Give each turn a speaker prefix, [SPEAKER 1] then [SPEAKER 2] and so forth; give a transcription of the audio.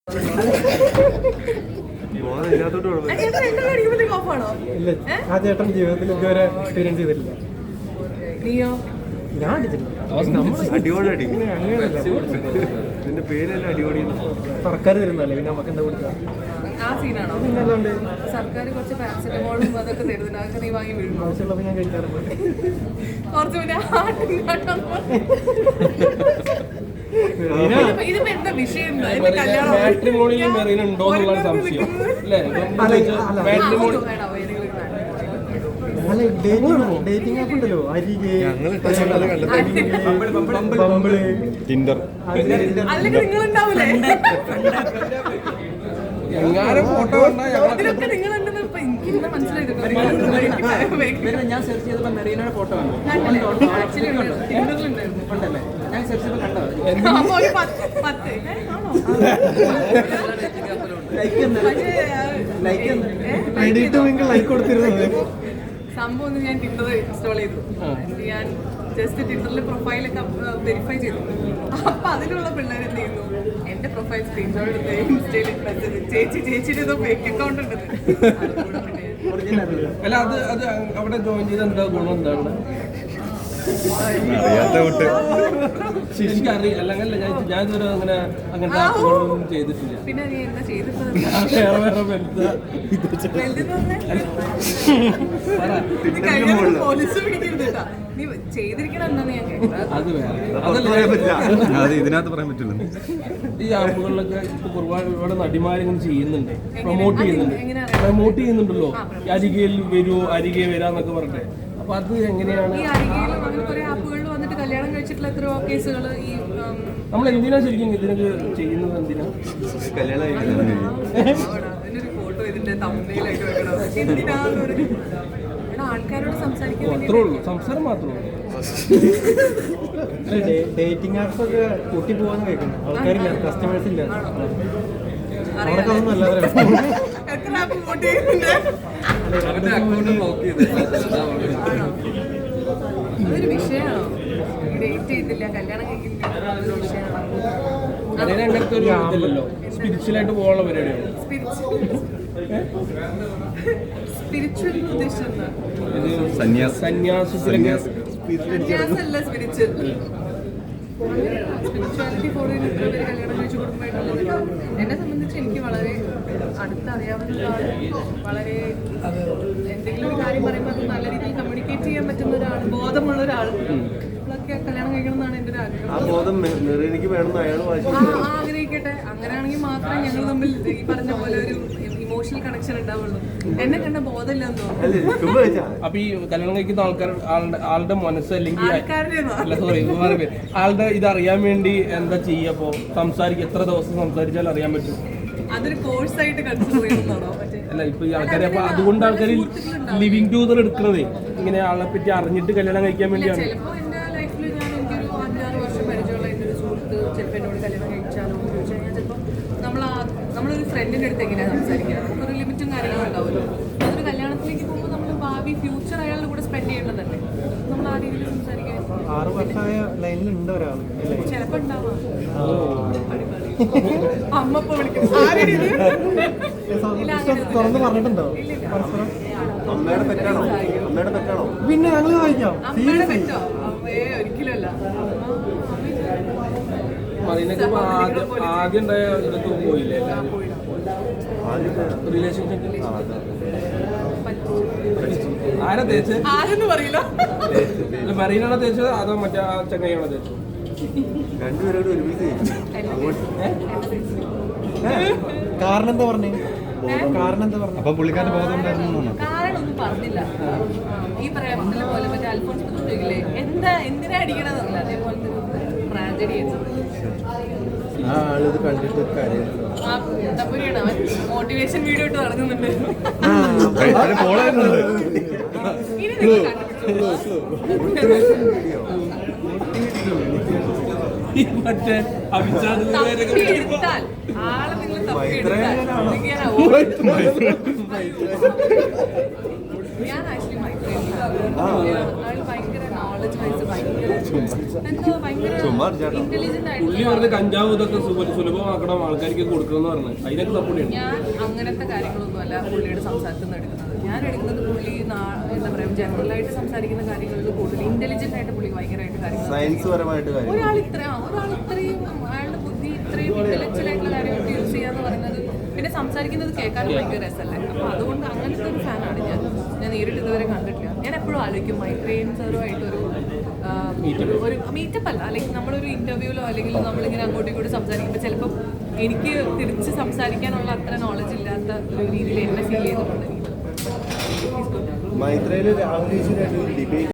[SPEAKER 1] ആ ചേട്ടൻ ജീവിതത്തിൽ ഇതുവരെ എക്സ്പീരിയൻസ് ചെയ്തിട്ടില്ല. ഞാൻ അടിച്ചിട്ടില്ല. സർക്കാർ തരുന്നല്ലേ, പിന്നെ നമുക്ക് എന്താ കൊടുക്കുക?
[SPEAKER 2] സർക്കാർ കുറച്ച് പാരസെറ്റമോളും അതൊക്കെ തരുന്നുണ്ട്, അതൊക്കെ നീ വാങ്ങി വീഴും.
[SPEAKER 1] ആവശ്യമുള്ളപ്പോൾ ഞാൻ കഴിക്കാറുണ്ട്.
[SPEAKER 2] കുറച്ച് പിന്നെ ഇതിപ്പോ എന്താ വിഷയം?
[SPEAKER 1] അല്ല, ഡേറ്റിംഗ് ആപ്പ് ഉണ്ടല്ലോ, അരികെ, ബംബിള്, ടിൻഡർ.
[SPEAKER 2] അല്ലെങ്കിൽ നിങ്ങളുണ്ടാവൂലേ?
[SPEAKER 3] ഞാൻ സെർച്ച് ചെയ്തപ്പോൾ മെറീനയുടെ ഫോട്ടോ ആണ്. ഞാൻ സെർച്ച് ചെയ്തപ്പോൾ കണ്ടത്
[SPEAKER 1] ലൈക്ക് കൊടുത്തിരുന്നത്
[SPEAKER 2] സംഭവം ഞാൻ ടിൻഡർ ഇൻസ്റ്റാൾ ചെയ്തു. ഞാൻ ജസ്റ്റ് ടിൻഡറിൽ പ്രൊഫൈലൊക്കെ വെരിഫൈ ചെയ്തു. അപ്പൊ അതിലുള്ള പിള്ളേർ എന്ത് ചെയ്യുന്നു, എന്റെ പ്രൊഫൈൽ സ്ക്രീൻഷോട്ട് എടുത്ത് ഇൻസ്റ്റയിൽ ചേച്ചിയുടെ ഏതോ ഫേക്ക് അക്കൗണ്ട് ഉണ്ട്.
[SPEAKER 3] അല്ല, അത് അവിടെ ജോയിൻ ചെയ്ത് എന്താ ഗുണം? എന്താണ് ശരിക്കും അറിയില്ല. അല്ലെങ്കിൽ ഞാൻ ഇതുവരെ അങ്ങനത്തെ ആപ്പുകളൊന്നും ചെയ്തിട്ടില്ല.
[SPEAKER 2] പിന്നെ നീ എന്താ ചെയ്തിട്ടുള്ളത്? പോലീസ് പിടിക്കരുത്. നീ ചെയ്തിരിക്കണം എന്നാണ് ഞാൻ കേട്ടത്.
[SPEAKER 3] അത് വേറെ,
[SPEAKER 4] ഇതിനകത്ത് പറയാൻ പറ്റില്ല.
[SPEAKER 3] ഈ ആപ്പുകളിലൊക്കെ ഒരുപാട് നടിമാരിങ്ങനെ ചെയ്യുന്നുണ്ട്, പ്രൊമോട്ട് ചെയ്യുന്നുണ്ടല്ലോ. അരികയിൽ വരൂ, അരികെ വരാന്നൊക്കെ പറഞ്ഞിട്ട്. അപ്പൊ അത് എങ്ങനെയാണ്?
[SPEAKER 2] ഈ അരികയിൽ അങ്ങനെ കുറെ ആപ്പുകളിൽ വന്നിട്ട് കല്യാണം കഴിച്ചിട്ടുള്ള എത്രയോ കേസുകൾ ഈ
[SPEAKER 3] നമ്മൾ എന്തിനാ ശരിക്കും ഇതിനൊക്കെ ചെയ്യുന്നത്? എന്തിനാ
[SPEAKER 2] അതിനൊരു ഫോട്ടോ ഇതിന്റെ തമ്മിലായിട്ട് വെക്കണം. എന്തിനാന്നൊരു ആൾക്കാരോട് സംസാരിക്കാൻ
[SPEAKER 3] അത്രേ ഉള്ളൂ, സംസാരം മാത്രമേ ഉള്ളൂ.
[SPEAKER 1] ഡേറ്റിംഗ് ആപ്സ് ഒക്കെ കൂട്ടി പോവാന്ന് കേൾക്കുന്നു. ആൾക്കാരില്ല, കസ്റ്റമേഴ്സ് ഇല്ല. അവർക്കൊന്നും നല്ലവരാണ്.
[SPEAKER 2] എത്ര ആപ്പ് ഫോട്ടോ ചെയ്യുന്നുണ്ട്? അതൊരു വിഷയമാണോ? ഡേറ്റ് ചെയ്തില്ല, കല്യാണം കഴിക്കില്ല, അതൊരു വിഷയമാണോ?
[SPEAKER 3] അങ്ങനത്തെ ഒരു ഇതല്ലല്ലോ, സ്പിരിച്വലായിട്ട് പോകാനുള്ള പരിപാടിയാണ്.
[SPEAKER 2] സ്പിരിച്വൽ ഉദ്ദേശിച്ചത്
[SPEAKER 3] സന്യാസത്തിലൊക്കെ
[SPEAKER 2] സന്യാസമല്ല സ്പിരിച്വൽ. സ്പിരിച്വാലിറ്റി ഫോളോ ചെയ്ത് ഇത്ര പേര് കല്യാണം കഴിച്ചു കുടുംബമായിട്ടുള്ളത് എന്നെ സംബന്ധിച്ച് എനിക്ക് വളരെ അടുത്തറിയാവുന്ന ഒരാൾ, വളരെ എന്തെങ്കിലും ഒരു കാര്യം പറയുമ്പോൾ അത് നല്ല രീതിയിൽ കമ്മ്യൂണിക്കേറ്റ് ചെയ്യാൻ പറ്റുന്ന ഒരാൾ, ബോധമുള്ള ഒരാൾ ഒക്കെ കല്യാണം കഴിക്കണം എന്നാണ് എൻ്റെ ഒരു ആഗ്രഹം. ആഗ്രഹിക്കട്ടെ. അങ്ങനെയാണെങ്കിൽ മാത്രമേ ഞങ്ങൾ തമ്മിൽ ഈ പറഞ്ഞ പോലെ ഒരു ഇമോഷണൽ കണക്ഷൻ ഉണ്ടാവുള്ളൂ. എന്നെ കണ്ട ബോധമില്ലെന്ന് തോന്നുന്നു.
[SPEAKER 3] അപ്പൊ ഈ കല്യാണം കഴിക്കുന്ന ആളുടെ മനസ്സ് അല്ലെങ്കിൽ ആളുടെ ഇത് അറിയാൻ വേണ്ടി എന്താ ചെയ്യപ്പോ സംസാരിക്കും? എത്ര ദിവസം സംസാരിച്ചാൽ അറിയാൻ പറ്റും?
[SPEAKER 2] അതൊരു കോഴ്സായിട്ട് കൺസിഡർ ചെയ്യുന്നതാണോ?
[SPEAKER 3] അല്ല, ഇപ്പൊ ഈ ആൾക്കാരെ അപ്പൊ അതുകൊണ്ട് ആൾക്കാർ ലിവിങ് ടൂതർ എടുക്കുന്നത് ഇങ്ങനെ ആളെ പറ്റി അറിഞ്ഞിട്ട് കല്യാണം കഴിക്കാൻ വേണ്ടിയാണ്.
[SPEAKER 2] ചിലപ്പോൾ എൻ്റെ ലൈഫിൽ ഞാൻ എനിക്കൊരു 5-6 വർഷം പരിചയമുള്ള എൻ്റെ ഒരു സുഹൃത്ത് ചിലപ്പോൾ എന്നോട് കല്യാണം കഴിച്ചാലോ എന്ന് ചോദിച്ചു കഴിഞ്ഞാൽ ചിലപ്പോൾ നമ്മളൊരു ഫ്രണ്ടിൻ്റെ അടുത്ത് എങ്ങനെയാണ് സംസാരിക്കുക, നമുക്കൊരു ലിമിറ്റും കാര്യങ്ങളും ഉണ്ടാവുമല്ലോ. അതൊരു കല്യാണത്തിലേക്ക് പോകുമ്പോൾ നമ്മൾ ഭാവി ഫ്യൂച്ചർ അയാളുടെ കൂടെ സ്പെൻഡ് ചെയ്യേണ്ടതല്ലേ, നമ്മൾ ആ രീതിയിൽ സംസാരിക്കാൻ
[SPEAKER 1] 6 വർഷമായ ലൈനിലുണ്ട് ഒരാൾ.
[SPEAKER 2] ചിലപ്പോൾ ഉണ്ടാവാം. അമ്മപ്പോ വിളിക്കും
[SPEAKER 1] തുറന്ന് പറഞ്ഞിട്ടുണ്ടോ? പിന്നെ ഞങ്ങൾ വായിക്കാം.
[SPEAKER 2] അമ്മയുടെ പറ്റോ? അമ്മയെ ഒരിക്കലല്ല.
[SPEAKER 3] ആദ്യം ഉണ്ടായ ഇതൊക്കെ പോയില്ലേ റിലേഷൻഷിപ്പ്? ആരാ തേച്ചത്?
[SPEAKER 2] ആരെന്ന് പറയില്ല.
[SPEAKER 3] മറീനാണോ തേച്ചത് അതോ മറ്റേ ആ ചങ്ങയാണോ തേച്ചത്?
[SPEAKER 1] കാരണം എന്താ പറഞ്ഞു? അപ്പൊ പുള്ളിക്കാരന്റെ ബോധം ഉണ്ടായിരുന്നു.
[SPEAKER 2] കാരണം ഒന്നും പറഞ്ഞില്ല. ഈ പറയാൻ പോലെ മറ്റേ അൽഫോൺസ് ചോദിക്കില്ലേ, എന്തിനാ അടിക്കണമെന്നല്ല, അതേപോലത്തെ ട്രാജഡി.
[SPEAKER 1] ആ ആളിത് കണ്ടിട്ട്
[SPEAKER 2] മോട്ടിവേഷൻ വീഡിയോ ഇട്ട് നടക്കുന്നുണ്ട്.
[SPEAKER 3] മറ്റേ
[SPEAKER 2] എടുത്താൽ ആളെ നിങ്ങൾ തപ്പിയെടുത്താൽ ഞാൻ ആക്ച്വലി മൈഗ്രേൻ ആൾ ഭയങ്കര നോളജ് വൈസ് ഭയങ്കര ഇന്റലിജന്റ്
[SPEAKER 3] പുള്ളി
[SPEAKER 2] ആയിട്ടുള്ള
[SPEAKER 3] പറഞ്ഞ കഞ്ചാവ് ഇതൊക്കെ സുലഭമാക്കണം ആൾക്കാർക്ക് കൊടുക്കണം എന്ന് പറഞ്ഞു അതിനൊക്കെ സപ്പോർട്ട് ചെയ്യണം.
[SPEAKER 2] ഞാൻ അങ്ങനത്തെ കാര്യങ്ങളൊന്നുമല്ല പുള്ളിയുടെ സംസാരത്തിൽ നിന്ന് എടുക്കുന്നത്. ഞാൻ എടുക്കുന്നത് പുള്ളി എന്താ പറയുക ജനറലായിട്ട് സംസാരിക്കുന്ന കാര്യങ്ങളിൽ കൂടുതൽ ഇന്റലിജന്റ് ആയിട്ട് പുള്ളി ഭയങ്കരമായിട്ട് കാര്യങ്ങൾ
[SPEAKER 4] സയൻസ് പരമായിട്ട് കാര്യം
[SPEAKER 2] ഒരാൾ ഇത്രയും അയാളുടെ ബുദ്ധി ഇത്രയും ഇന്റലക്ച്വൽ ആയിട്ടുള്ള കാര്യങ്ങളൊക്കെ യൂസ് ചെയ്യാന്ന് പറയുന്നത് പിന്നെ സംസാരിക്കുന്നത് കേൾക്കാനും ഭയങ്കര രസമല്ലേ. അപ്പോൾ അതുകൊണ്ട് അങ്ങനത്തെ ഒരു ഫാനാണ് ഞാൻ നേരിട്ട് ഇതുവരെ കണ്ടിട്ടില്ല. ഞാൻ എപ്പോഴും ആലോചിക്കും മൈത്രേയൻ സാറുമായിട്ടൊരു ഒരു മീറ്റപ്പ് അല്ല, അല്ലെങ്കിൽ നമ്മളൊരു ഇന്റർവ്യൂലോ അല്ലെങ്കിൽ നമ്മളിങ്ങനെ അങ്ങോട്ടും ഇങ്ങോട്ടും സംസാരിക്കുമ്പോൾ ചിലപ്പോൾ എനിക്ക് തിരിച്ച് സംസാരിക്കാനുള്ള അത്ര നോളജ് ഇല്ലാത്ത ഒരു രീതിയിൽ എന്നെ ഫീൽ ചെയ്തിട്ടുണ്ട്.
[SPEAKER 5] മൈത്രയില് രാഹുൽ ഈശ്വരായിട്ട് ഒരു ഡിബേറ്റ്